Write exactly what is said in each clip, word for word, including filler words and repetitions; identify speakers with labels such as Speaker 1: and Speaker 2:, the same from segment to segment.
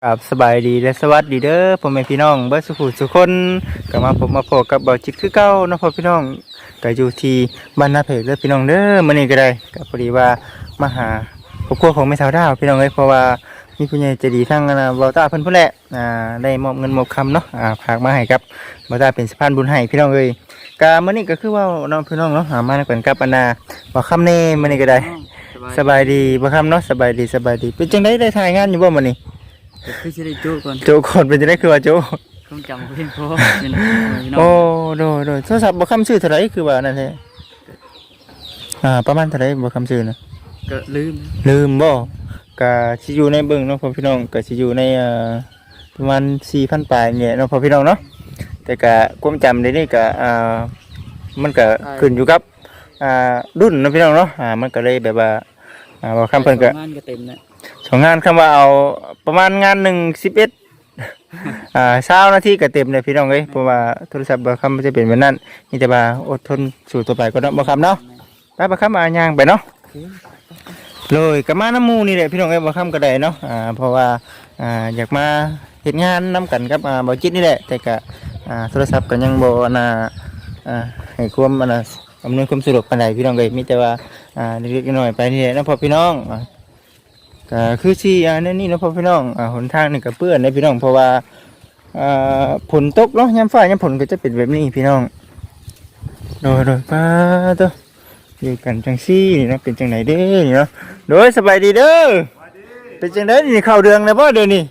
Speaker 1: ครับสบายดีและสวัสดีเด้อพ่อแม่พี่น้องเบิดสุขุสุคนก็มาพบมาพบกับเบาจิตคือเก่าเนาะพ่อพี่น้องก็อยู่ที่บ้านนาเพกเด้อพี่น้องเด้อมื้อนี้ก็ได้ก็พอดีว่ามาหาครอบครัวของแม่สาวดาวพี่น้องเอ้ยเพราะว่ามีผู้ใหญ่ใจดีทั้งนะเบาตาเพิ่นพุ่นแหละอ่าได้มอบเงินมอบคำเนาะอ่าฝากมาให้กับเบาตาเป็นสะพานบุญให้พี่น้องเอ้ยก็มื้อนี้ก็คือว่าน้องพี่น้องเนาะหามากันกับอันน่ะบ่คำแน่มื้อนี้ก็ได้สบายดีบ่คำเนาะสบายดีสบายดีเป็นจังได๋ได้ถ่ายงานอยู่บ่มื้อนี้
Speaker 2: คือจะได้โจ้ก่อน
Speaker 1: โจก่อนเป็นจะได้คือว่าโจ
Speaker 2: ต้องจำเพียงพอเป็นน้อง
Speaker 1: โอ้โดยโดยโทรศัพท์บ่คำชื่อเท่าไหร่คือว่านั่นแหละอ่าประมาณเท่าไหร่บ่คำชื่อนะ
Speaker 2: ก็ลืม
Speaker 1: ลืมบ่ก็สิอยู่ในเบิ่งเนาะพ่อพี่น้องก็สิอยู่ในอ่าประมาณ สี่พัน ปลายเนี่ยเนาะพ่อพี่น้องเนาะแต่ก็ความจำเดี๋ยวนี้ก็อ่ามันก็ขึ้นอยู่กับอ่ารุ่นเนาะพี่น้องเนาะอ่ามันก็เลยแบบว่าอ่าบ่คำเพิ่นก็
Speaker 2: งานก็เต็มแล้ว
Speaker 1: สองงานคำว่าเอาประมาณงานหนึ่งสิบเอ็ดอ่าเช้านาทีก็เต็มเลยพี่น้องเอ้ยเพราะว่าโทรศัพท์บางคำมันจะเป็นแบบนั้นมีแต่ว่าอดทนสู่ต่อไปก็เนาะบางคำเนาะไปบางคำมาย่างไปเนาะเลยกับมาน้ำมูนี่แหละพี่น้องเอ้ยบางคำก็ได้เนาะอ่าเพราะว่าอ่าอยากมาเห็นงานนำกันกับอ่าบ่จิตนี่แหละแต่ก็อ่าโทรศัพท์ก็ยังบ่น่าอ่าให้ความอันน่ะอำนวยความสะดวกปานใดพี่น้องเอ้ยมีแต่ว่าอ่าเล็กๆน้อยๆไปนี่แหละเนาะพ่อพี่น้องก็คือที่อ่านี่นี่เนาะพ่อพี่น้องอ่าหนทางนี่ก็เปื้อนนะพี่น้องเพราะว่าอ่าฝนตกเนาะยามฟ้ายามฝนก็จะเป็นแบบนี้พี่น้องโดยโดยป้าตัวอยู่กันจังซี่นี่เนาะเป็นจังไหนเด้อนี่เนาะโดยสบายดีเด้อเป็นจังได๋นี่เข้าเดืองแล้วบ่เดี๋ยวนี้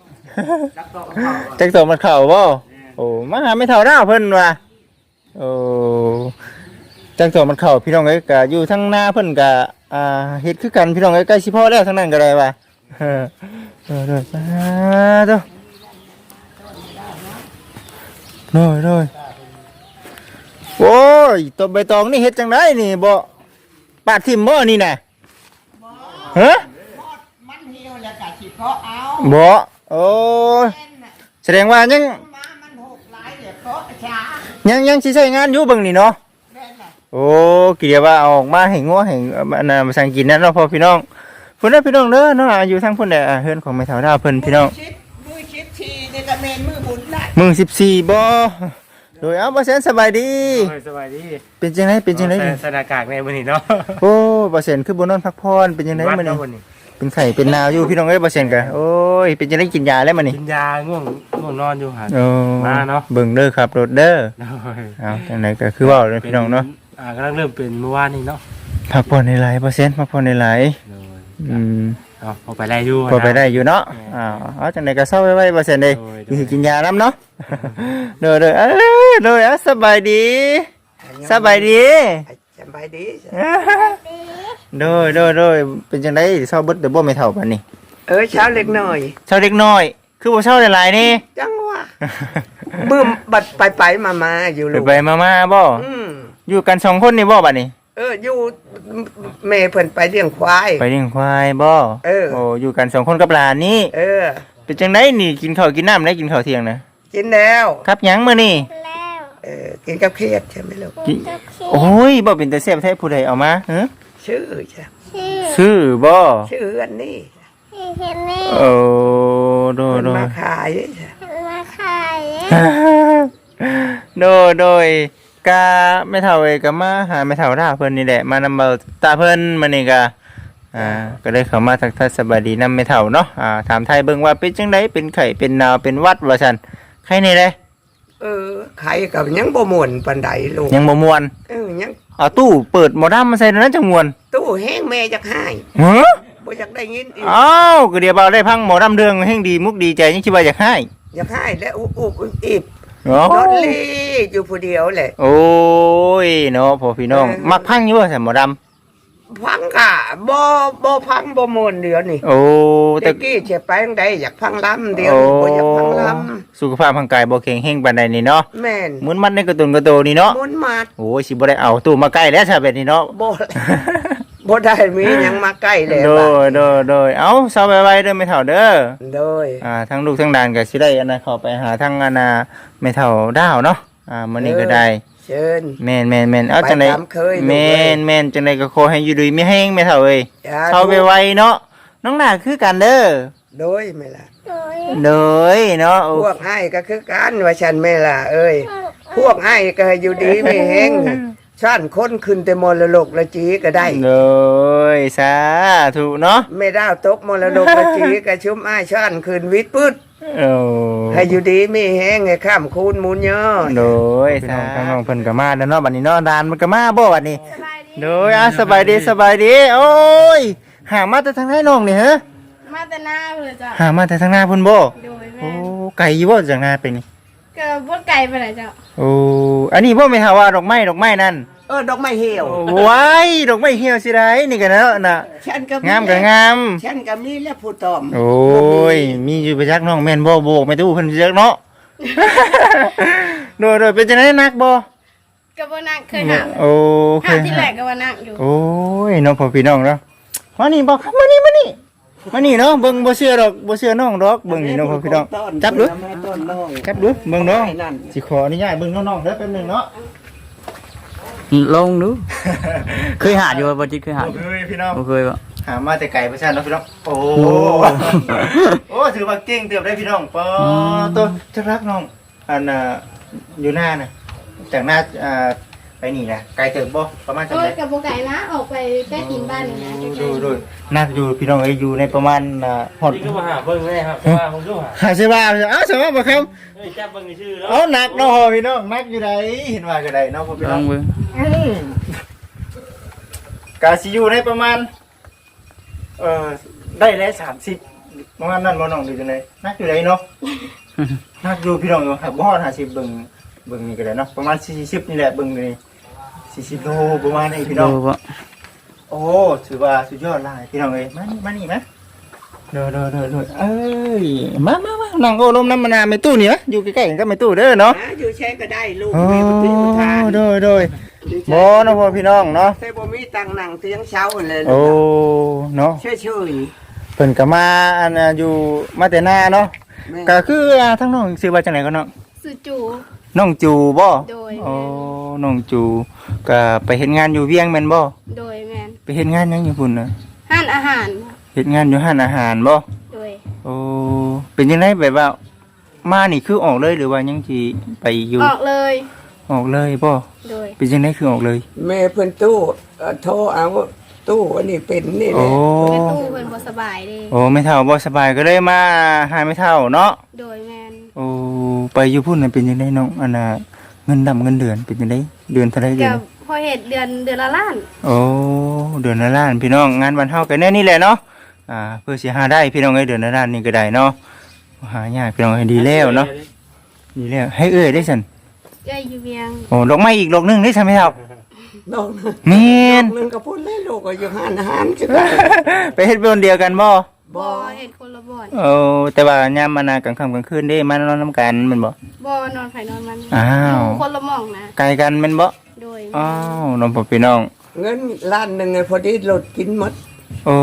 Speaker 1: จักตอกมันเข้าบ่โอ้มาหาไม่เท่าดาวเพิ่นว่าโอ้จักตอกมันเข้าพี่น้องเอ้ยก็อยู่ทั้งหน้าเพิ่นก็อ่าเฮ็ดคือกันพี่น้องเอ้ยใกล้สิพอแล้วทั้งนั้นก็ได้ว่าเออเออเด้อป้าตัวโน้ยโน้ยโอ้ยตัวใบตองนี่เฮ็ดจังไดนี่บ่ปาดทิ่มบ่นี่น่ะฮะ
Speaker 3: มันเหี่ยวแล้วก็สิเพาะเอา
Speaker 1: บ่โอ้ยแสดงว่ายัง
Speaker 3: มามันหกหลายเดี๋ยวเพาะช้า
Speaker 1: ยังยังสิใช้งานอยู่เบิ่งนี่เนาะโอ้กี่เดียวว่าเอาออกมาให้งัวให้อันน่ะมาสั่งกินนั่นเนาะพ่อพี่น้องเพิ่นเด้อพี่น้องเด้อเนาะอยู่ทางเพิ่นแหละเฮือนของแม่เฒ่าดาวเพิ่นพี่น้อง
Speaker 3: มือชิดทีนี่ก็เมนมือบุญได้
Speaker 1: มื้อสิบสี่บ่โดยเอาบ่แซนสบายดี
Speaker 2: สบายดี
Speaker 1: เป็นจังได๋เป็นจังได๋
Speaker 2: สถานการณ์ในมื้อนี้เนาะ
Speaker 1: โอ้บ่แซนคือบ่นอนพักผ่อนเป็นจังได๋มื้อนี้เป็นไข้เป็นหนาวอยู่พี่น้องเอ้ยบ่แซนก็โอ้ยเป็นจังได๋กินยาแล้วมื้อนี้
Speaker 2: กินยาง่วงง่วงนอนอยู่หั่น
Speaker 1: มาเนาะเบิ่งเด้อครับรถเด้อเอาจังได๋ก็คือเว้าเลยพี่น้องเนาะ
Speaker 2: อ่ากำลังเริ่มเป็นเมื่อวานนี้เนาะ
Speaker 1: พักผ่อนหลายๆบ่แซนพักผ่อนหลายๆอืม
Speaker 2: อ๋อพอไปได้อยู่
Speaker 1: พอไปได้อยู่เนาะอ้าวเอาจังได๋ก็เซาไว้ๆบ่แซนเด้อยู่กินยานำเนาะเด้อๆเอ้ยเด้อสบายดีสบายดี
Speaker 3: สบายดี
Speaker 1: โดยโดยโดยเป็นจังได๋เซาเบิดเดี๋ยวบ่แม่เฒ่าปานนี้
Speaker 3: เออเช้าเล็กน้อย
Speaker 1: เช้าเล็กน้อยคือบ่เช้าหลายๆนี่
Speaker 3: จังว่าบึ้มบัดไปๆมาๆอยู่ลูก
Speaker 1: ไปๆมาๆบ่
Speaker 3: อืม
Speaker 1: อยู่กันสองคนนี่บ่บัดนี้
Speaker 3: เอออยู่แม่เพิ่นไปเลี้ยงควาย
Speaker 1: ไปเลี้ยงควายบ่
Speaker 3: เออ
Speaker 1: โอ้อยู่กันสองคนกับหลานนี่
Speaker 3: เออ
Speaker 1: เป็นจังได๋นี่กินข้าวกินน้ำได้กินข้าวเที่ยงนะ
Speaker 3: กินแล้ว
Speaker 1: ครับหยังมื้อนี้
Speaker 3: เออกินกับเครียดใช่มั้ยลูก
Speaker 1: โอ้ยบ่เป็นแต่แซ่บแท้ผู้ใดเอามาฮะ
Speaker 3: ชื่อใช่
Speaker 1: ชื่อบ่
Speaker 3: ชื่ออันนี้
Speaker 1: โอ้โดโด
Speaker 3: มาขาย
Speaker 4: มาขาย
Speaker 1: โดโดยกะแม่เฒ่าเอ้ยก็มาหาแม่เฒ่าท่าเพิ่นนี่แหละมานำเบาตาเพิ่นมื้อนี้ก็อ่าก็ได้เข้ามาทักทายสบายดีนำแม่เฒ่าเนาะอ่าถามไทยเบิ่งว่าเป็นจังได๋เป็นไข้เป็นหนาวเป็นหวัดว่าซั่นไข้นี่เด้
Speaker 3: เออไข่ก็ยังบ่ม่วนปานใดลูก
Speaker 1: ยังบ่ม่วน
Speaker 3: เออยัง
Speaker 1: เอาตู้เปิดหมอดำมาใส่นั้นจังม่วน
Speaker 3: ตู้แห้งแม่จักหาย
Speaker 1: ฮะ
Speaker 3: บ่อยากได้ยินอีก
Speaker 1: อ้าวก็เดี๋ยวเบาได้พังหมอดำเรื่องแห่งดีมุกดีใจยังคิดว่าอยากให้
Speaker 3: อยากให้แล้วอุบอุบอิบนอนลีอยู่ผู้เดียวแหละ
Speaker 1: โอ้ยเนาะพ่อพี่น้องมักพังอยู่ว่าใส่หมอด
Speaker 3: ำพังค่ะบ่บ่พังบ่ม่วนเดี๋ยวนี่
Speaker 1: โอ้
Speaker 3: แต่กี้สิไปจังไดอยากพังลำเดี๋ยวบ่อยากพังลำ
Speaker 1: สุขภาพร่างกายบ่แข็งแรงปานใดนี่เนาะ
Speaker 3: แม่น
Speaker 1: มุนมัดในกระตุนกระโตนี่เนาะ
Speaker 3: มุนมัด
Speaker 1: โอ้ยสิบ่ได้เอาตู้มาใกล้แล้วซะแบบนี้เนาะ
Speaker 3: บ่บ่ได้มีหยังมาใกล้แล้ว
Speaker 1: โดยโดยโดยเอ้าเซาไว้ๆเด้อแม่เฒ่าเด้อ
Speaker 3: โดย
Speaker 1: อ่าทั้งลูกทั้งหลานก็สิได้อันน่ะเข้าไปหาทั้งอันน่ะแม่เฒ่าดาวเนาะอ่ามื้อนี้ก็ได้
Speaker 3: เชิญ
Speaker 1: แม่นๆๆเอาจังได๋แม่นๆจังได๋ก็ขอให้อยู่ดีมีแฮงแม่เฒ่าเอ้ยเซาไว้ๆเนาะน้องหน้าคือกันเด้อ
Speaker 3: โดยแม่ล่ะ
Speaker 4: โดย
Speaker 1: เลยเนาะโอ้
Speaker 3: พวกให้ก็คือกันว่าฉันแม่ล่ะเอ้ยพวกให้ก็อยู่ดีไม่แห้งชั้นคนขึ้นแต่มรดกละจีก็ได้
Speaker 1: เลยสาธุเนาะ
Speaker 3: ไม่ได้ตกมรดกละจีก็ชุมอ้ายชั้นขึ้นวิทย์พืช
Speaker 1: โอ้
Speaker 3: ให้อยู่ดีไม่แห้งให้ข้ามคูณมูลยอด
Speaker 1: โดยทางน้องเพิ่นก็มาแล้วเนาะบัดนี้เนาะดานมันก็มาบ่บัดนี้
Speaker 4: สบายดี
Speaker 1: โดยอ่ะสบายดีสบายดีโอ้ยหามาแต่ทางไหนน้องนี่ฮะ
Speaker 4: มาแต่หน้าเลยจ้ะ
Speaker 1: หามาแต่ทางหน้าพุ่นบ่
Speaker 4: โดย
Speaker 1: โอ้
Speaker 4: แม่
Speaker 1: ไก่อยู่บ่จากหน้าไปนี่
Speaker 4: ก็บ่ไกลไปไหนจ้ะ
Speaker 1: โอ้อันนี้บ่แม่นหาว่าดอกไม้ดอกไม้นั่น
Speaker 3: เออดอกไม้เหี่ยว
Speaker 1: โอ้ว้ายดอกไม้เหี่ยวสิได้นี่ก็เนาะน่ะ
Speaker 3: ฉันก็
Speaker 1: งามก็งาม
Speaker 3: ฉันก็มีและผู้ตอม
Speaker 1: โอ้ยมีอยู่ไปจักน้องแม่นบ่โบกไม่ตู้เพิ่นสิจักเนาะ โดยโดยเป็นจังได๋นักบ่
Speaker 4: ก็บ่นั่งเคยหา
Speaker 1: โอ้เค
Speaker 4: หาย ที่แรกก็ว่านั่งอยู่
Speaker 1: โอ้ยน้องพ่อพี่น้องเนาะมานี่บ่ครับมานี่มานี่มานี่เนาะเบิ่งบ่เชื่อดอกบ่เชื่อน้องดอกเบิ่งนี่น้องพ่อพี่น้องจับดู
Speaker 3: แม่ต้นน้อง
Speaker 1: จับดูเบิ่งน้อง
Speaker 3: ไอ้นั่น
Speaker 1: สิขออนุญาตเบิ่งน้องๆเด้อแป๊บหนึงเนาะ
Speaker 5: ลงดู เคยหาอยู่บ่จิตเคยหาอยู่
Speaker 1: เฮ้ยพี่น้อง
Speaker 5: บ่เคยบ่
Speaker 1: หามาแต่ไกลประชาเนาะพี่น้องโอ้โอ้ถือว่าเก่งเติบได้พี่น้องปอตัวจะรักน้องอันน่ะอยู่หน้าน่ะจากหน้าอ่าไปนี่นะไกลเติบบ่ประมาณจัง
Speaker 4: โอ้
Speaker 1: ได
Speaker 4: ยกับบ่ไกลนะออกไปใกล้กินบ้านนี่นะใกล้
Speaker 1: ดูดูน่าอยู่พี่น้องเอ้ยอยู่ในประมาณอ่าฮอด
Speaker 2: นี่ก็มาหาเบิ่งเลยครับว่าผมก็หา
Speaker 1: หาใช่ป่ะเอ้าใช่ป่ะบ่ครับ
Speaker 2: เฮ้ยจับเบิ่งชื่อแล้ว
Speaker 1: เอ้าหนักเนาะพี่น้องหนักอยู่ไหนเห็นว่าก็ได้เนาะพ่อพี่
Speaker 5: ล
Speaker 1: น้
Speaker 5: อ
Speaker 1: อง
Speaker 5: งเบิ่ง
Speaker 1: อืมกาซิอยู่ในประมาณเอ่อได้แล้วสามสิบประมาณนั้นบ่น้องดูจังไดนักอยู่ไหนเนาะ นักอยู่พี่น้องอยู่ครับบ่ฮอดห้าสิบเบิ่งเบิ่งนี่ก็ได้เนาะประมาณสี่สิบนี่แหละเบิ่งนี่สี่สิบโลประมาณนี้พี่น้อง
Speaker 5: ดูบ่
Speaker 1: โอ้ถือว่าสุดยอดหลายพี่น้องเอ้ยมานี่มานี่มาเด้อเด้อเด้อเด้อเอ้ยมามามานั่งโอ้ลมน้ำมะนาวในตู้นี่นะอยู่ใกล้ๆกันกับในตู้เด้อเนาะ
Speaker 3: หาอยู่ใช้ก็ได้ลูก
Speaker 1: โอ้
Speaker 3: แม่บ่มีผู้ทาน
Speaker 1: โดยโดยบ่เนาะพ่อพี่น้องเนาะ
Speaker 3: ใช้บ่มีตังค์นั่งเตียงเช้าเลย
Speaker 1: โอ้เนาะ
Speaker 3: เชื่อชื่อ
Speaker 1: เพิ่นก็มาอันน่ะอยู่มาแต่หน้าเนาะ
Speaker 3: แม่
Speaker 1: ก็คืออ่าทั้งน้องชื่อว่าจังไดก็เนาะ
Speaker 4: สุจู
Speaker 1: น้องจูบ่
Speaker 4: โดย
Speaker 1: โอ้น้องจูก็ไปเฮ็ดงานอยู่เวียงแม่นบ่
Speaker 4: โดยแม่น
Speaker 1: ไปเฮ็ดงานหยังอยู่พุ่นน่ะ
Speaker 4: ห้านอาหาร
Speaker 1: เฮ็ดงานอยู่ร้านอาหารบ่
Speaker 4: โดย
Speaker 1: โอ้เป็นจังไดแบบว่ามานี่คือออกเลยหรือว่ายังสิไปอยู่
Speaker 4: ออกเลย
Speaker 1: ออกเลยบ่
Speaker 4: โดย
Speaker 1: เป็นจังไดคือออกเลย
Speaker 3: แม่เพิ่นตู้เอ่อโทรเอาตู้อันนี้เป็นนี่แห
Speaker 1: โอ้
Speaker 3: ละ
Speaker 4: แม่ตู้เพิ่นบ่สบายเด้
Speaker 1: โอ้ไม่เท่าบ่สบายก็เลยมาหาไม่เท่าเนาะ
Speaker 4: โดยแม่น
Speaker 1: โอ้ไปอยู่พุ่นน่ะเป็นจังไดน้องอันน่ะเงินดำเงินเดือนเป็นจังไดเดือนเท่าไหร่เดือ
Speaker 4: กัน บพอเฮ็ดเดือนเดือนละล้าน
Speaker 1: โอ้เดือนละล้านพี่น้องงานวันเฮากันแน่นี่แหละเนาะอ่าเพื่อสิหาได้พี่น้องเอ้ยเดือนละล้านนี่ก็ได้เนาะหายากพี่น้องให้ดีแล้วเนาะดีแล้วให้เอ้ยได้ซั่น
Speaker 4: เอ้ยอยู่เวียง
Speaker 1: โอ้ดอกไม้อีกดอกหนึงได้ซั่นไหมครับ
Speaker 3: น้อง
Speaker 1: แม่น
Speaker 3: นึงก็พูดเล่นลูกก็อยู่หานอาหารคือกัน
Speaker 1: ไปเฮ็ดเป็นคนเดียวกันบ่
Speaker 4: บ่เฮ็ดคนละบ่อน
Speaker 1: โอ้แต่ว่ายามมานากลางค่ำกลางคืนเด้มานอนนํกันแม่นบ่
Speaker 4: บ่นอนไผนอนมัน
Speaker 1: อ้าว
Speaker 4: อยู่คนละหม่องนะ
Speaker 1: ไกลกันแม่นบ่
Speaker 4: โดย
Speaker 1: อ้าวน้องพ่อพี่น้อง
Speaker 3: เงินล้านหนึ่งไงพอดีรถกินหมด
Speaker 1: โอ้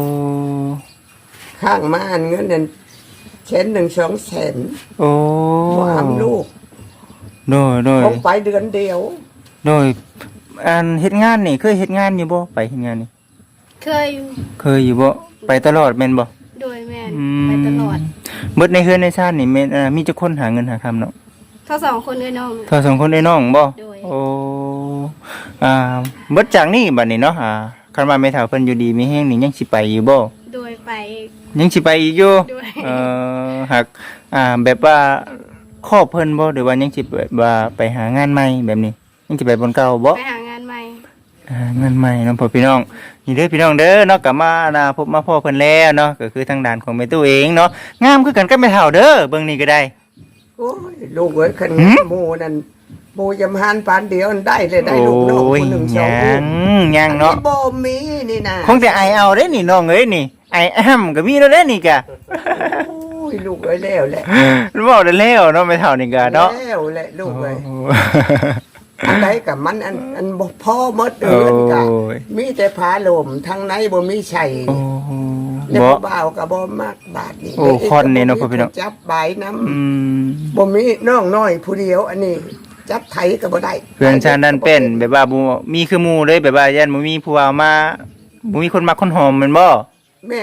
Speaker 3: ข้างมาอันเงินนั่นเช่นหนึ่งสองแสน
Speaker 1: โอ้
Speaker 3: บ่ทำลูก
Speaker 1: โดยโดย
Speaker 3: ผมไปเดือนเดียว
Speaker 1: โดยอันเฮ็ดงานนี่เคยเฮ็ดงานอยู่บ่ไปเฮ็ดงานนี่
Speaker 4: เคยอยู่
Speaker 1: เคยอยู่บ่ไปตลอดแม่นบ่
Speaker 4: โดยแม่น
Speaker 1: อืม
Speaker 4: ไปตลอด
Speaker 1: เบิดในเฮือนในชาตินี่แม่นอ่ามีจักคนหาเงินหาคำเนาะ
Speaker 4: ทั้งสองคนเอ้ยน้อง
Speaker 1: เท่าสองคนได้น้องบ่
Speaker 4: โดย
Speaker 1: โอ้อ่าเบิดจากนี้บัดนี้เนาะอ่าคันว่าแม่เฒ่าเพิ่นอยู่ดีมีแฮงนี่ยังสิไปอยู่บ่
Speaker 4: โดยไป
Speaker 1: ยังสิไปอีกอยู่
Speaker 4: ด้วย
Speaker 1: เอ่อหากอ่าแบบว่าครอบเพิ่นบ่หรือว่ายังสิแบบว่าไปหางานใหม่แบบนี้ยังสิไปบนเก่าบ่
Speaker 4: ไปหางานใหม่
Speaker 1: หางานใหม่เนาะพ่อพี่น้องนี่เด้อพี่น้องเด้อเนาะกลับมานะพบมาพ่อเพิ่นแล้วเนาะก็คือทางด้านของแม่ตู้เองเนาะงามคือกันกับแม่เฒ่าเด้อเบิ่งนี่ก็ได้
Speaker 3: โอ้ยลูกเอ้ยคัน
Speaker 1: หืม
Speaker 3: หมูนั่นหมูยำหานปานเดียวได้เลยได้ลูกน้อง
Speaker 1: โอ้ย
Speaker 3: คนหนึ่งสอง
Speaker 1: ยั
Speaker 3: ลูก
Speaker 1: งยังเนาะ
Speaker 3: อับ่มีนี่นะ
Speaker 1: คงแต่ไอเอาเด้นี่น้องเอ้ยนี่ไอแอมก็มีแล้วเด้นี่กะ
Speaker 3: โอ้ยลูกเอ้ยแล้วแหละ
Speaker 1: รู้บ่ได้แล้วเนาะแม่เฒ่านี่กะเนาะ
Speaker 3: แล้วแหละลูกเอ้ย
Speaker 1: โอ้
Speaker 3: อันใดกับมันอันอันบ่พอหมดเอินกะ
Speaker 1: โอ้ย
Speaker 3: มีแต่ผาลมทางในบ่มีชัย
Speaker 1: โอ้
Speaker 3: แล้ว
Speaker 1: บ่
Speaker 3: บ่าวก็บ่มักบาดนี้
Speaker 1: โอ้คอนนี่เนาะพ่อพี่น้อง
Speaker 3: จับใบน้ำ
Speaker 1: อืม
Speaker 3: บ่มีน้องน้อยผู้เดียว อันนี้ จับไถก็บ่ได้
Speaker 1: เพื่อนชาตินั้นเป็นแบบว่าบ่มีคือหมู่เลยแบบว่ายันบ่มีผู้เอามาบ่มีคนมักคนหอมแม่นบ่
Speaker 3: แม่น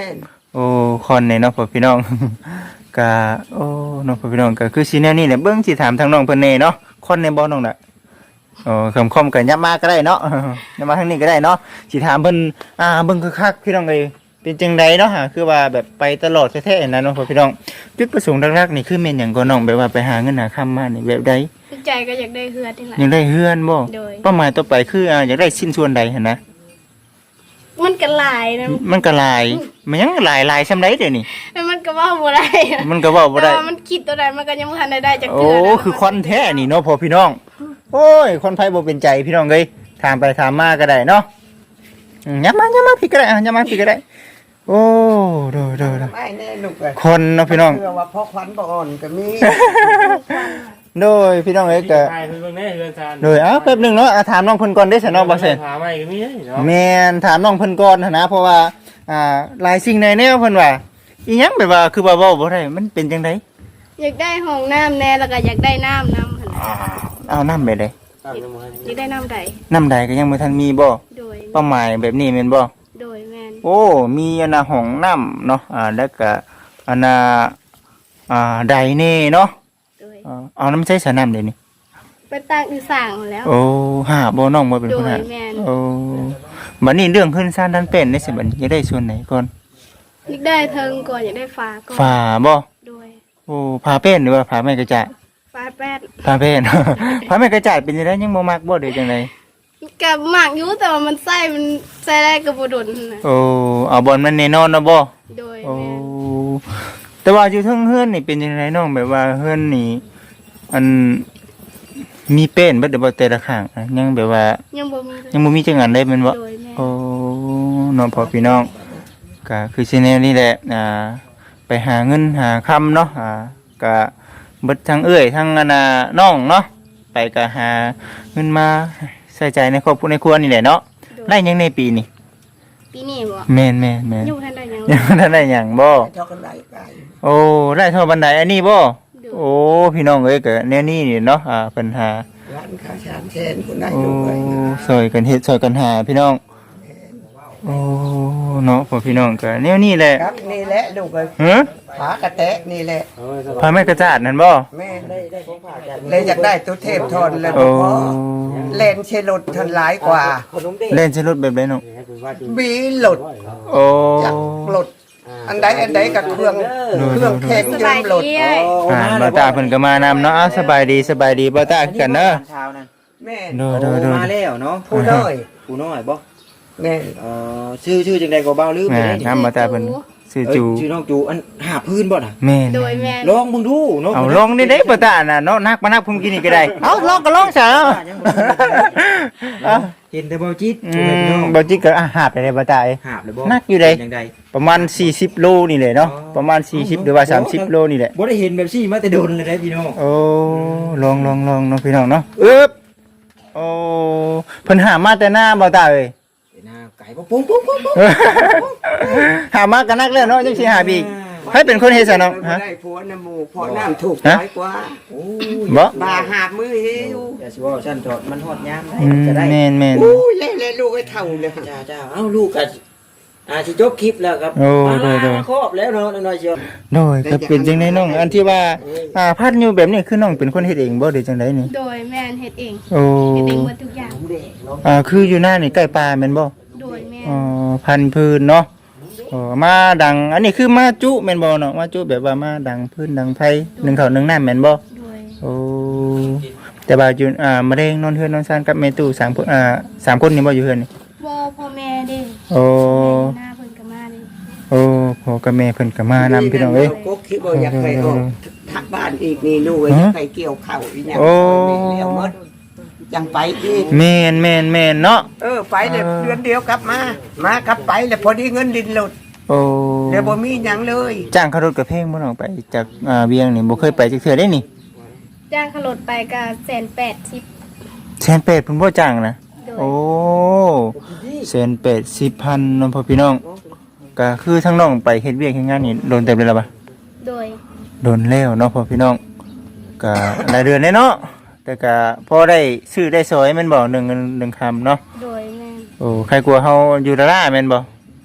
Speaker 1: โอ้คอนเนี่ยเนาะพ่อพี่น้อง กะโอ้น้องพ่อพี่น้องก็คือสิแนวนี้แหละเบิ่งสิถามทางน้องเพิ่นแน่เนาะคอนในบ่น้องน่ะโอ้คำคมก็ยับมาก็ได้เนาะ ยับมาทางนี้ก็ได้เนาะสิถามเพิ่นอ่าเบิ่งคักๆพี่น้องเอ้ยเป็นจังไดเนาะฮะคือว่าแบบไปตลอดแท้ๆนะน้องพ่อพี่น้องจุดประสงค์หลักๆนี่คือแม่นหยังก็น้องแบบว่าไปหาเงินหาคำมานี่แบบใด
Speaker 4: ใจก็อยากได้เฮือดนี่แหละ
Speaker 1: อยากได้เฮือนบ่
Speaker 4: โดย
Speaker 1: เป้าหมายต่อไปคืออ่าอยากได้ชิ้นส่วนใดหั่นนะ
Speaker 4: มันก็หลายนะ
Speaker 1: มันก็หลายมันยังหลายหลายซำใดเดี๋ยวนี้
Speaker 4: แต่มันก็เว่าบ่ได้อะ
Speaker 1: มันก็เว้าบ่ได้
Speaker 4: แต่ว่ามันคิดตัวใดมันก็ยังบ่ทันได้ได้จาก
Speaker 1: โอ้
Speaker 4: เทื่อนะ
Speaker 1: คือคอนแท้นี่เนาะพอพี่น้อง โอ้ย คนไผบ่เป็นใจพี่น้องเอ้ยถามไปถามมาก็ได้เนาะอืมยับมายับมาพี่ก็ได้อ่ะยับมาพี่ก็ได้ โอ้โดโดโด
Speaker 3: ไม่แน่ลูกเอ้ย
Speaker 1: คนเนาะพี่น้อง
Speaker 3: เชื่อว่าพ่อขวัญบ่อ่อนก็มี
Speaker 1: โดยพี่น้องเอ้ยก็
Speaker 2: ใช่เพิ่นเบิ่งแน่เฮือนซาน
Speaker 1: โดยเอ้าแป๊บหนึงเนาะอ่ะถามน้องเพิ่นก่อนได้ซะเนาะบ่เซ่น
Speaker 2: ถามใหม่ก็มีเด้เนาะ
Speaker 1: แม่นถามน้องเพิ่นก่อนหั้นนะเพราะว่าอ่าหลายสิ่งในแนวเพิ่นว่าอีหยังแบบว่าคือว่าเว้าบ่ได้มันเป็นจังได
Speaker 4: อยากได้ห้องน้ำแน่แล้วก็อยากได้น้ำน้ำหั่นน่ะ
Speaker 1: เอาน้ำไปได้
Speaker 2: ตามน้ำมัน
Speaker 4: อยากได้น้ำใด
Speaker 1: น้ำใดก็ยังบ่ทันมีบ่
Speaker 4: โดย
Speaker 1: เป้าหมายแบบนี้แม่นบ่
Speaker 4: โดยแม่น
Speaker 1: โอ้ มีอันน่ะห้องน้ำเนาะ อ่า แล้วก็อันน่ะอ่าไดเน่เนาะ
Speaker 4: โดย
Speaker 1: อ่าเอาน้ำใช้สระน้ำเดี๋ยวนี้
Speaker 4: ไปตั้งอยู่สร้างแล้ว
Speaker 1: โอ้หาบ่น้องบ่เป็น
Speaker 4: โด
Speaker 1: คน
Speaker 4: ย
Speaker 1: หา
Speaker 4: แม่น
Speaker 1: โอ้บัดนี้เรื่องขึ้นซ่านดันเป็นได้สิบัดนี้จะได้ส่วนไหนก่อน
Speaker 4: อยากได้เทิงก่อนอยากได้ฟ้าก่อน
Speaker 1: ฝาบ่
Speaker 4: โดย
Speaker 1: โอ้ผาเป็นหรือว่าผาไม้กระจาด
Speaker 4: ฟ้าแป๊ด
Speaker 1: ผาเป็น ผาไม้กระจาดเป็นจังไดยังบ่มักบ่เด้จังได
Speaker 4: กับหมากอยู่แต่ว่ามันไส้มันไส้ได้กับบ่ดนนะ
Speaker 1: โอ้เอาบอลมันแน่นอนเนาะบ่
Speaker 4: โดย
Speaker 1: โอ้
Speaker 4: แม่น
Speaker 1: แต่ว่าอยู่เทิงเฮือนนี่เป็นจังไดน้องแบบว่าเฮือนนี่อันมีเป็นเบิดเดี๋ยวบ่แต่ละข้างอะยังแบบว่า
Speaker 4: ยังบ่มีเลย
Speaker 1: ยังบ่มีจังอันได้แม่นบ่
Speaker 4: โดยแม่
Speaker 1: โอ้น้องพ่อพี่น้องก็คือสิแนวนี้แหละอ่าไปหาเงินหาคำเนาะอ่าก็เบิดทั้งเอื้อยทั้งอันน่ะน้องเนาะไปก็หาเงินมาใส่ใจในครอบครัวในครัวนี่แหละเนาะ
Speaker 4: โดย
Speaker 1: ได้หยังในปีนี้
Speaker 4: ปีนี้บ่
Speaker 1: แม่นแม่นแม่น
Speaker 4: ยังบ่ทันได้หยัง
Speaker 1: ยังบ่ทันได้หยังบ่
Speaker 3: เท่ากันได้ไกล
Speaker 1: โอ้ได้เท่าบันไดอันนี้บ่โอ้พี่น้องเอ้ยก็แนวนี้นี่เนาะอ่าปัญหา
Speaker 3: ร้านค้าชานเชนคนได้
Speaker 1: โอ้
Speaker 3: ลูกเอ้ยนะ
Speaker 1: ซอยกันเฮ็ดซอยกันหาพี่น้องโอ้เนาะพ่อพี่น้องก็แนวนี้แหละ
Speaker 3: ครับนี่แหละลูกเอ้ย
Speaker 1: ฮะ
Speaker 3: ผากระแตะนี่แหละ
Speaker 1: พาแม่กระจาดนั่นบ่
Speaker 3: แม่ได้ได้ของผ่าจันเลยอยากได้ตัวเทพทนแล้ว
Speaker 1: โอ้
Speaker 3: พอเลนเชลดทนหลายกว่า
Speaker 1: เล่นใช้รถแบบไหนน้อง
Speaker 3: บีหลด
Speaker 1: โอ้
Speaker 3: จากหลด อันใดอันใดกับเครื่องเครื่องแข็ง
Speaker 4: ส
Speaker 3: ยื
Speaker 4: บาย
Speaker 3: มหลด
Speaker 4: ดีเอ้ย
Speaker 1: อ่าบ่าวตาเพิ่นก็มานำเนาะอ้าวสบายดีสบายดีบ่าวตาคือกันเด้อ
Speaker 5: เช้านั่น
Speaker 3: แม่
Speaker 1: โดยโดยโดย
Speaker 5: มาแล้วเนาะ
Speaker 3: ผู้น้อย
Speaker 5: ผู้น้อยบ่
Speaker 3: แม่
Speaker 5: เอ่อชื่อชื่อจังไดก็เบาลืมไป
Speaker 1: แม่
Speaker 5: ได้
Speaker 1: นำบ่าวตาเพิ่นชื่อ
Speaker 5: เอ้ย
Speaker 1: จู
Speaker 5: ชื่อน้องจูอันหาพื้นบ่น่ะ
Speaker 1: แม่น
Speaker 4: โดยแม่น
Speaker 5: ลองมึงดูเนาะ
Speaker 1: เอาลองนี่เด้บ่าวตาน่ะเนาะนักมานักพุ่มกินนี่ก็ได้เอ้าลองก็ลองซะเนาะเอ้า
Speaker 5: เห็นแต่บ่จิต
Speaker 1: อื
Speaker 5: จูเลยพี่น้อง
Speaker 1: มบ่จิกก็อาหาบไปได้บ่าวตาเอ้ย
Speaker 5: หาบเลยบ่
Speaker 1: นักอยู่ใด
Speaker 5: จังใด
Speaker 1: ประมาณสี่สิบโลนี่แหละเนาะประมาณสี่สิบหรือว่าสามสิบโลนี่แหละ
Speaker 5: บ่ได้เห็นแบบซี่มาแต่โดนเลยได้พี่น้อง
Speaker 1: โอ้ลองลองลองเนาะพี่น้องเนาะอึ๊บโอ้เพิ่นหามาแต่หน้าบ่าวตาเอ้ย
Speaker 5: หน้าไก่บ่ปุ้งปุ้งปุ้งปุ้ง
Speaker 1: หามากันนักแล้วเนาะจังสิหาอีกให้เป็นคนเฮ็ดซะเนาะ
Speaker 3: บ่
Speaker 1: ฮะ
Speaker 3: ได้ผัวน้ำหมูเพราะน้ำถูก
Speaker 1: ฮะ
Speaker 3: น้อยกว่า
Speaker 5: โอ้ย
Speaker 1: บ่
Speaker 3: บาหาบมือหิว
Speaker 5: อย่าสิว่าฉันจอดมันฮอดยามได้
Speaker 1: อืม
Speaker 5: จะได้
Speaker 1: แม่นแม่น
Speaker 3: อู้ยเล่เล่ลูกไอ้เท่าเลย
Speaker 5: จ้าจ้าเอ้าลูกก็อ่าสิจบคลิปแล้วครับ
Speaker 1: โอ้
Speaker 5: มา
Speaker 1: โดยโดย
Speaker 5: ครอบแล้วเนาะน้อยๆเชียว
Speaker 1: โดยก็เป็นจังได๋น้องอันที่ว่าอ่าพัดอยู่แบบนี้คือน้องเป็นคนเฮ็ดเองบ่หรือจังไดนี่
Speaker 4: โดยแม่นเฮ็ดเอง
Speaker 1: โอ้
Speaker 4: เฮ็ดเองหมดทุกอย่าง
Speaker 1: อ่าคืออยู่หน้านี่ใกล้ป่าแม่นบ่
Speaker 4: โดยแม่น
Speaker 1: อ๋อพันธุ์พื้นเนาะอ๋อมาดังอันนี้คือมาจุแม่นบ่เนาะมาจุแบบว่ามาดังพื้นดังไผหนึ่งข้าวหนึ่งน้ำแม่นบ่
Speaker 4: โดย
Speaker 1: โอ้แต่ว่าอยู่อ่ามะเร็งนอนเฮือนนอนซ่านกับแม่ตู้สามคนอ่าสามคนนี่บ่อยู่เฮือนนี่
Speaker 4: บ่พ่อแม่เด้
Speaker 1: โอ้
Speaker 4: หน้าเพิ่นก็มาเด้
Speaker 1: โอ้พ่อกับแม่เพิ่นก็มานำพี่น้องเอ้ย
Speaker 3: ก็คิดว่าอยากให้ออกทักบ้านอีกนี่ลูกอยากให้เกี่ยวข้าวอีหยัง
Speaker 1: โอ้
Speaker 3: เลี้ยวหมดยังไปอีก
Speaker 1: แม่นแม่นแม่นเนาะ
Speaker 3: เออไปเลยเดือนเดียวกลับมา มากลับไปแล้วพอดีเงินดินหลุด
Speaker 1: โอ้
Speaker 3: เดี๋ยวบ่มีหยังเลย
Speaker 1: จ้างขับรถกับเพลงบ่น้องไปจากอ่าเวียงนี่บ่เคยไปจักเทื่อได้นี่
Speaker 4: จ้างขลดไปก็แสนแปดสิบ
Speaker 1: แสนแปดเพิ่นบ่จ้างนะ
Speaker 4: โดย
Speaker 1: โอ้แสนแปดสิบพันน้องพ่อพี่น้องก็คือทั้งน้องไปเฮ็ดเวียกเฮ็ดงานนี่โดนเต็มเลยล่ะบ่
Speaker 4: โดย
Speaker 1: โดนแล้วเนาะพ่อพี่น้องก็หลายเดือนแน่เนาะแต่ก็พอได้ซื้อได้ซอยแม่นบ่หนึ่งเงินหนึ่งคำเนาะ
Speaker 4: โดยแม่น
Speaker 1: โอ้ใครกลัวเฮาอยู่ดาราแม่นบ่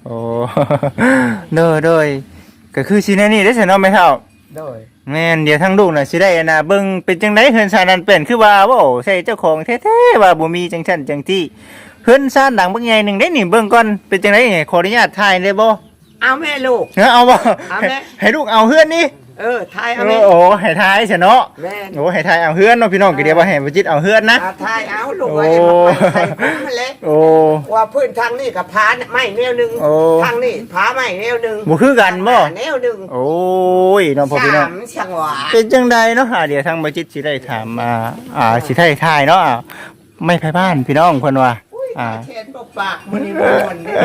Speaker 1: โอ้ โดยโดยก็คือสิแนวนี้ได้อซั่นเนาะแม่เฒ่า
Speaker 3: โดย
Speaker 1: แม่นเดี๋ยวทั้งลูกน่ะสิได้อันน่ะเบิ่งเป็นจังไดเฮือนซ่านนั้นเป็นคือว่าโว้ใช่เจ้าของแท้ๆว่าบ่มีจังซั่นจังที่เฮือนซ่านหลังบักใหญ่หนึงได้นี่เบิ่งก่อนเป็นจังไดนี่ขออนุญาตถ่ายได้บ่
Speaker 3: เอาแม่ลูก
Speaker 1: เออเอาบ่
Speaker 3: เอาแม่
Speaker 1: ให้ลูกเอาเฮือนนี่
Speaker 3: เออทาย
Speaker 1: โอ
Speaker 3: เอาแม่
Speaker 1: ้ให้ถ่ายซะเนาะ
Speaker 3: แม่
Speaker 1: โอ้ให้ถ่ายเอาเฮือนเนาะพี่น้องก็เดี๋ยวว่าให้บ่จิตเอาเฮือนนะ
Speaker 3: อาทายเอาลูกไว้มาไปใส่คุ้มมาเลย
Speaker 1: โอ้
Speaker 3: ว่าพื้นทางนี้กับผาไม้แนวหนึง
Speaker 1: โอ้
Speaker 3: ทางนี้ผาไม้แนวหนึง
Speaker 1: บ่คือกันบ่
Speaker 3: แนวหนึง
Speaker 1: โอ้ยน้องพ่อพี่น้อง
Speaker 3: สามช่างหวา
Speaker 1: เป็นจังใดเนาะอ่าเดี๋ยวทางบจิตสิได้ถามอ่าอ่าสิได้ทายเนาะอ่าไม่ไผบ้านพี่น้องเพิ่นว่าอ่า
Speaker 3: เชนปกปากมันนี่บ่นเด้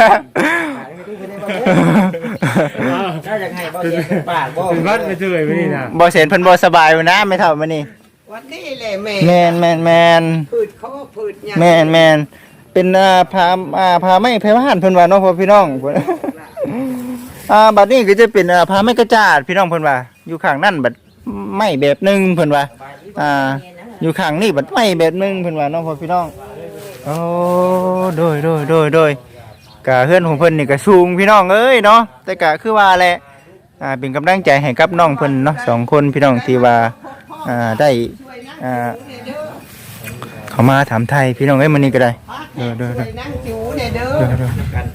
Speaker 3: น่าจะให้บ่เชนปากบ่
Speaker 2: เป็นวัดไปเจอไปนี่นะ
Speaker 1: บ่เห็นเพิ่นบ่สบายอยู่นะไม่เท่ามื้อนี้
Speaker 3: วันนี้แหละแม่
Speaker 1: แม่นแม่นแม่น
Speaker 3: พืชเขาพืชหยัง
Speaker 1: แม่นแม่นเป็นอ่าพาอ่าพาไม่ไผบ้านเพิ่นว่าเนาะพ่อพี่น้องเพิ่นอ่าบัดนี้ก็จะเป็นอ่าพาไม่กระจาดพี่น้องเพิ่นว่าอยู่ข้างนั่นบัดไม่แบบหนึงเพิ่นว่าอ่าอยู่ข้างนี้บัดไม่แบบหนึงเพิ่นว่าเนาะพ่อพี่น้องโอ้โดยโดยโดยโดยกะเฮือนของเพิ่นนี่ก็สูงพี่น้องเอ้ยเนาะแต่กะคือว่าแหละอ่าเป็นกำลังใจให้กับน้องเพิ่นเนาะสองคนพี่น้องที่ว่าอ่าได้อ่าเขามาถามไทยพี่น้องเอ้ยมื้อนี้ก็ได้เด้อเด้อ
Speaker 3: ช่
Speaker 1: เด้
Speaker 3: ว
Speaker 1: อย
Speaker 3: นั่งจูเนี่ยเด้อ
Speaker 1: เด้อเด้อ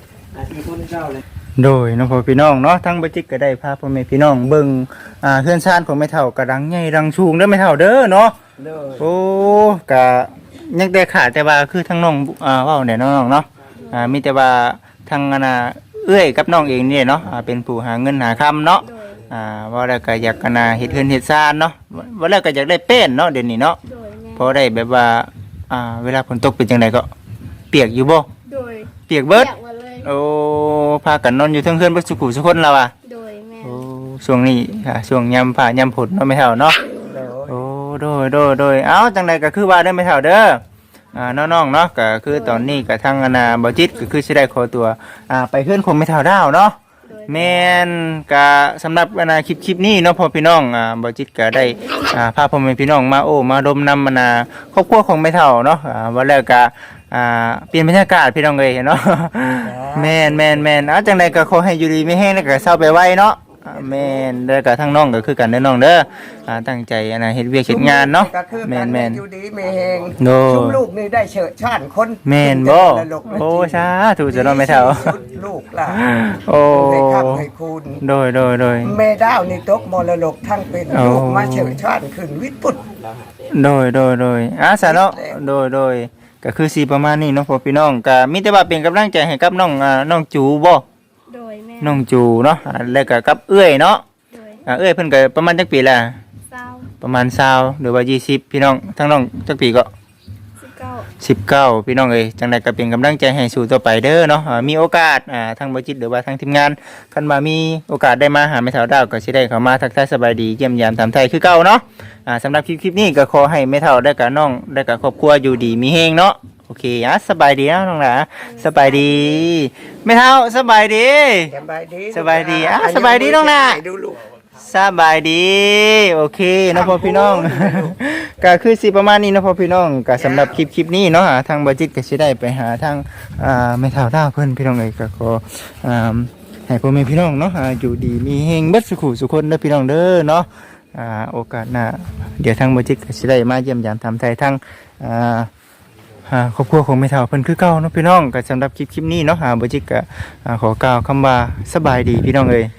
Speaker 1: โดยน้องพ่อพี่น้องเนาะทั้งบ่จิกก็ได้พาพ่อแม่พี่น้องเบิ่งอ่าเฮือนซ่านของแม่เฒ่ากระดังใหญ่ดังสูงเด้อแม่เฒ่าเด้อเนาะ
Speaker 3: เด้อ
Speaker 1: โอ้กะยังได้ขาดแต่ว่าคือทั้งน้องอ่าเว้าเนี่ยน้องๆเนาะอ่ามีแต่ว่าทางอันน่ะเอื้อยกับน้องเองนี่เนาะอ่าเป็นผู้หาเงินหาคำเนาะ
Speaker 4: โดย
Speaker 1: อ่าว่าแล้วก็อยากกันน่ะเฮ็ดเฮือนเฮ็ดซ่านเนาะว่าแล้วก็อยากได้เป็นเนาะเดี๋ยวนี้เนาะ
Speaker 4: โดยแม่
Speaker 1: พอได้แบบว่าอ่าเวลาฝนตกเป็นจังไดก็เปียกอยู่บ่
Speaker 4: โดย
Speaker 1: เปียกเบิด
Speaker 4: อยากมาเลย
Speaker 1: โอ้พากันนอนอยู่เทั้งเฮือนเบ่สุขุสุคนแล้วอ่ะ
Speaker 4: โดยแม่
Speaker 1: โอ้ช่วงนี้ค่ะช่วงยามฟ้ายามฝนเนาะไม่เท่าเนาะ
Speaker 3: เด้อ
Speaker 1: โอ้โดยโดยโดยเอ้าจังใดก็คือว่าได้ไม่เท่าเด้ออ่าน้องๆเนาะก็คือตอนนี้ก็ทางอนาบ่จิตก็คือสิได้ขอตัวอ่าไปเฮือนคงไม่เท่าดาวเนาะ
Speaker 4: โดย
Speaker 1: แม่นก็สำหรับอนาคลิปคลิปนี้เนาะพ่อพี่น้องอ่าบ่จิตก็ได้อ่าพาพ่อแม่พี่น้องมาโอ้มาดมนำอนาครอบครัวของไม่เท่าเนาะอ่าว่าแล้วก็อ่าเปลี่ยนบรรยากาศพี่น้องเอ้ยเนาะ แม่นแม่นแม่นเอาจังใดก็ขอให้อยู่ดีไม่แห้งแล้วก็เศร้าไปไว้เนาะอ่าแม่นเด้อก็ทั้งน้องก็คือกันเด้อน้องเด้ออ่าตั้งใจอันน่ะเฮ็ดเวียกเฮ็ดงานเนาะ
Speaker 3: ก็คือ
Speaker 1: แม่
Speaker 3: กัน
Speaker 1: นแม่น
Speaker 3: อยู่ดีไม่แหง
Speaker 1: โด
Speaker 3: ชุมลูกนี่ได้เฉิดชาญคน
Speaker 1: แม่นบ่
Speaker 3: ตลกนะ
Speaker 1: โอ้สาธุจะเนาะแม่เฒ่า
Speaker 3: สุดลูกล่ะ
Speaker 1: โอ้
Speaker 3: ให้คับให้คุณ
Speaker 1: โดยโดยโดย
Speaker 3: แม่ดาวนี่ตกมรดกทั้งเป็น
Speaker 1: โอ้
Speaker 3: ลูกมาเฉิดชาญขึ้นวิทย์ปุตร
Speaker 1: โดยโดยโดยอ่ะซะเนาะโดยโดยก็คือสิประมาณนี้เนาะพ่อพี่น้องก็มีแต่ว่าเป็นกำลังใจให้กับน้องอ่าน้องจูบ่
Speaker 4: โดยแม่
Speaker 1: น้องจูเนาะอ่าแล้วก็กับเอื้อยเนาะ
Speaker 4: โดย
Speaker 1: อ่าเอื้อยเพิ่นก็ประมาณจักปีละ
Speaker 4: เศร้า
Speaker 1: ประมาณยี่สิบหรือว่ายี่สิบพี่น้องทั้งน้องจักปีก็
Speaker 4: สิบเก้า
Speaker 1: สิบเก้าพี่น้องเอ้ยจังใดก็เป็นกำลังใจให้สู่ต่อไปเด้อเนาะอ่ามีโอกาสอ่าทางบ่จิตหรือว่าทางทีมงานคันว่ามีโอกาสได้มาหาแม่สาวดาวก็สิได้เข้ามาทักทายสบายดีเยี่ยมยามถามไทยคือเก่าเนาะอ่าสำหรับคลิปคลิปนี้ก็ขอให้แม่เฒ่าได้กับน้องได้กับครอบครัวอยู่ดีมีเฮงเนาะโอเคอ่ะสบายดีนะน้องหลาสบายดีแม่เฒ่าสบายดี
Speaker 3: สบายดี
Speaker 1: สบายดีอ่ะสบายดีน้องน่ะ
Speaker 3: ดูลูก
Speaker 1: สบายดีโอเคเนาะพ่อพี่น้อง ก็คือสิประมาณนี้เนาะพ่อพี่น้องก็สำหรับคลิปคลิปนี้เนาะอ่าทางบัจิตก็สิได้ไปหาทางอ่าแม่เฒ่าดาวเพิ่นพี่น้องเอ้ยก็ขออ่าให้พ่อแม่พี่น้องเนาะอ่าอยู่ดีมีเฮงเบิดสุขุสุคนเด้อพี่น้องเด้อเนาะอ่าโอกาสหน้าเดี๋ยวทางบัจิตก็สิได้มาเยี่ยมยามทำไทยทางอ่าอ่าครอบครัวของแม่เฒ่าเพิ่นคือเก่าเนาะพี่น้องก็สำหรับคลิปคลิปนี้เนาะอ่าบัจิตก็อ่าขอกล่าวคำว่าสบายดีพี่น้องเอ้ย